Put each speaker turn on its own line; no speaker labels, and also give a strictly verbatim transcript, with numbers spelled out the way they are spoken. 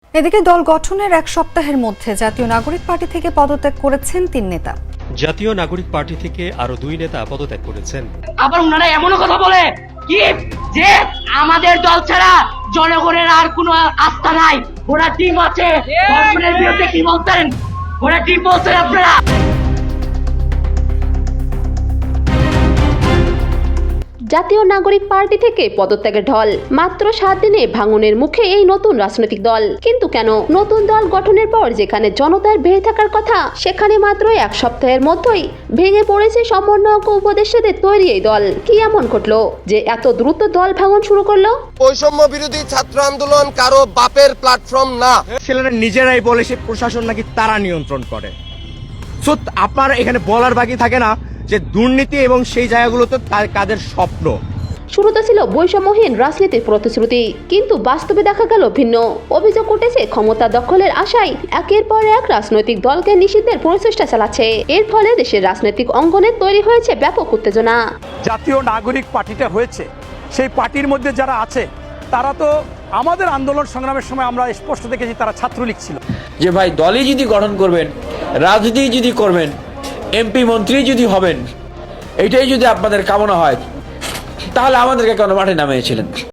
এদিকে দল গঠনের এক সপ্তাহের মধ্যে জাতীয় নাগরিক পার্টি থেকে পদত্যাগ করেছেন তিন নেতা।
জাতীয় নাগরিক পার্টি থেকে আরো দুই নেতা পদত্যাগ করেছেন।
আবার ওনারা এমনও কথা বলে কি যে আমাদের দল ছাড়া জনগণের আর কোনো আস্থা নাই, ওরা টিম আছে। গভর্নমেন্টের বিরুদ্ধে কি বলতেন? ওরা টিম বলছেন আপনারা।
জাতীয় নাগরিক পার্টি থেকে পদত্যাগের ঢল। মাত্র সাত দিনে ভাঙনের মুখে এই নতুন রাজনৈতিক দল। কিন্তু কেন? নতুন দল গঠনের পর যেখানে জনতার ভিড় থাকার কথা, সেখানে মাত্র এক সপ্তাহের মধ্যেই ভেঙে পড়েছে সমন্বয়ক ও উপদেষ্টাদের তৈরি এই দল। কি এমন ঘটলো যে এত দ্রুত দল ভাঙন শুরু করলো?
বৈষম্য বিরোধী ছাত্র আন্দোলন কারো বাপের প্ল্যাটফর্ম না।
ছেলেরা নিজেরাই বলে সে প্রশাসন নাকি তারা নিয়ন্ত্রণ করে। সো আপনার এখানে বলার বাকি থাকে না যে দুর্নীতি এবং সেই জায়গাগুলোতে কাদের স্বপ্ন।
শুরুতে ছিল বৈষম্যহীন রাজনীতির প্রতিশ্রুতি, কিন্তু বাস্তবে দেখা গেল ভিন্ন। অভিযোগ উঠেছে ক্ষমতা দখলের আশায় একের পর এক রাজনৈতিক দলকে নিষিদ্ধের প্রচেষ্টা চালাচ্ছে। এর ফলে দেশের রাজনৈতিক অঙ্গনে তৈরি হয়েছে ব্যাপক উত্তেজনা।
জাতীয় নাগরিক পার্টিটা হয়েছে, সেই পার্টির মধ্যে যারা আছে তারা তো আমাদের আন্দোলন সংগ্রামের সময় আমরা স্পষ্ট দেখেছি তারা ছাত্রলীগ ছিল।
যে ভাই দলই যদি গঠন করবেন, রাজনীতি যদি করবেন, এমপি মন্ত্রী যদি হবেন, এটাই যদি আপনাদের কামনা হয়, তাহলে আমাদেরকে কেন মাঠে নামিয়েছিলেন?